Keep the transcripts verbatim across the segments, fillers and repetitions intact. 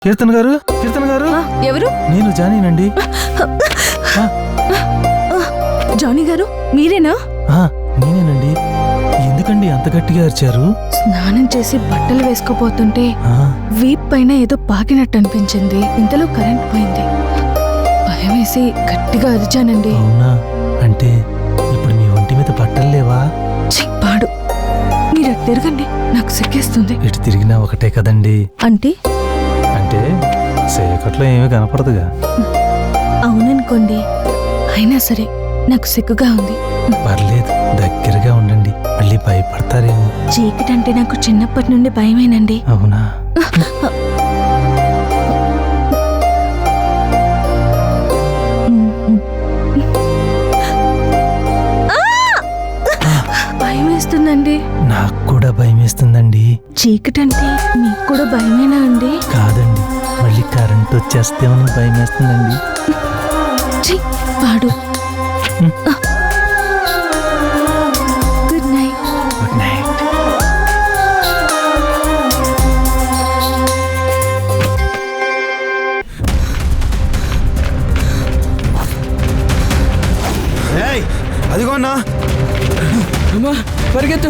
కీర్తన్ గారు, కీర్తన్ గారు. ఎవరు? నేను జానీనండి. జానీ గారు మీరేనా? నేనేనండి. ఎందుకండి అంత గట్టిగా అరిచారు? స్నానం చేసి బట్టలు వేసుకోపోతుంటే వీప్ పైన ఏదో పాకినట్టు అనిపించింది. ఇంతలో కరెంట్ పోయింది. భయం వేసి గట్టిగా అరిచానండి. అవునా? అంటే ఇప్పుడు మీ ఒంటి మీద బట్టలు లేవా? పాడు, మీరు అటు తిరగండి, నాకు సిగ్గేస్తుంది. ఇటు తిరిగినా ఒకటే కదండి. అంటే అంటే సేకట్లో ఏమీ కనపడదుగా. అవుననుకోండి, అయినా సరే నాకు సిగ్గుగా ఉంది. పర్లేదు, దగ్గరగా ఉండండి, మళ్ళీ భయపడతారేమో. చీకటి అంటే నాకు చిన్నప్పటి నుండి భయమేనండి. అవునా? భయం వేస్తుందండి. నాకు కూడా భయం వేస్తుందండి. చీకటి అంటే మీకు కూడా భయమేనా అండి? కాదండి, మళ్ళీ కరెంట్ వచ్చేస్తేమని భయం వేస్తుందండి. పాడు. Good night. Good night. అదిగో అన్నా, పరిగెత్తు.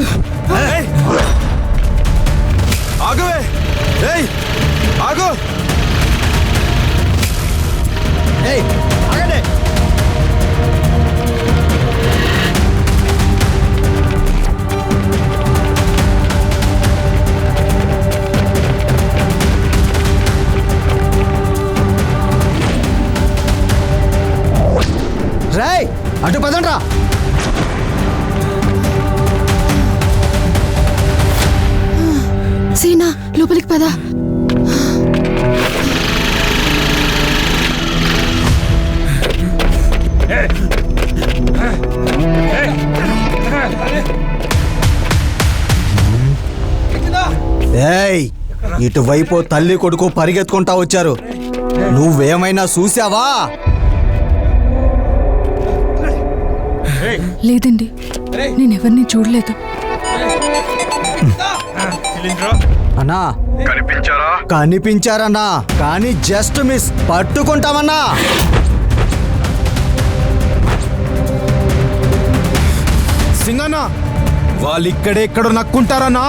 ఆగవే, ఏయ్ ఆగు, ఏయ్ ఆగండి. రేయ్ అటు పదండ్రా. సీనా, లోపలికి పద. ఏయ్ ఇటువైపు తల్లి కొడుకు పరిగెత్తుకుంటా వచ్చారు. నువ్వేమైనా చూసావా? లేదండి, నేనెవరిని చూడలేదు. అన్నా కనిపించారా? కనిపించారన్నా, కానీ జస్ట్ మిస్. పట్టుకుంటామన్నా. సింగన్న, వాళ్ళు ఇక్కడే ఎక్కడ నక్కుంటారన్నా.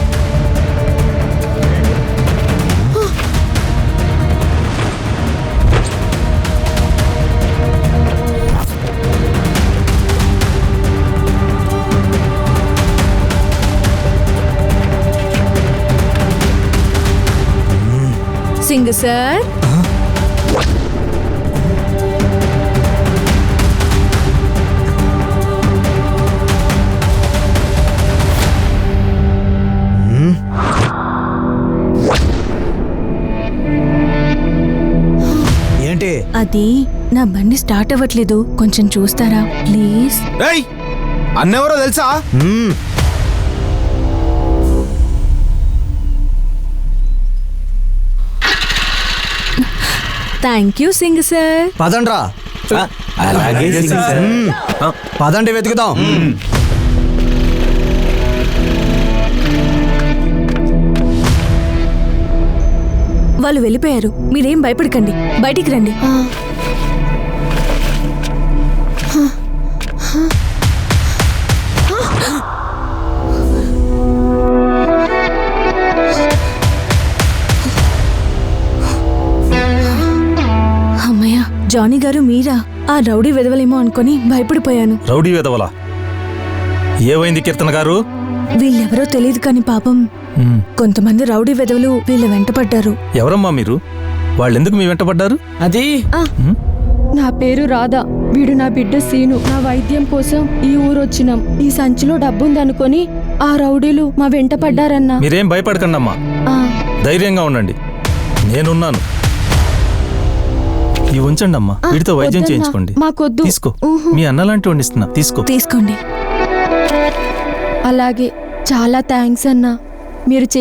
సింగ్ సార్, ఏంటి? అది నా బండి స్టార్ట్ అవ్వట్లేదు, కొంచెం చూస్తారా ప్లీజ్? ఏయ్ అన్నెవరో తెలుసా? Thank you Singh sir. పదండ్రా. పదండి, వెతుకుదాం. వాళ్ళు వెళ్ళిపోయారు, మీరేం భయపడకండి, బయటికి రండి. అమ్మయ్య, జానీ గారు మీరా? ఆ రౌడీ వెదవలేమో అనుకుని భయపడిపోయాను. రౌడీ వెదవలా? ఏమైంది కీర్తన గారు? వీళ్ళెవరో తెలియదు కానీ పాపం కొంతమంది రౌడీ వెదవలు వీళ్ళ వెంట పడ్డారు. ఎవరమ్మా మీరు? వాళ్ళెందుకు మీ వెంట పడ్డారు? అది నా పేరు రాధా, వీడు నా బిడ్డ సీను. నా వైద్యం కోసం ఈ ఊరొచ్చినాం. ఈ సంచిలో డబ్బుందనుకొని ఆ రౌడీలు మా వెంట పడ్డారన్నా. మీరేం భయపడకండి అమ్మా, ధైర్యంగా ఉండండి, నేనున్నాను. ఈ ఉంచండి అమ్మా, వీటితో వైద్యం చేయించుకోండి. మాకొద్దు. తీసుకో, మీ అన్నలాంటి వండిస్తున్నా, తీసుకో. తీసుకోండి. అలాగే, చాలా థ్యాంక్స్ అన్నా. మీరు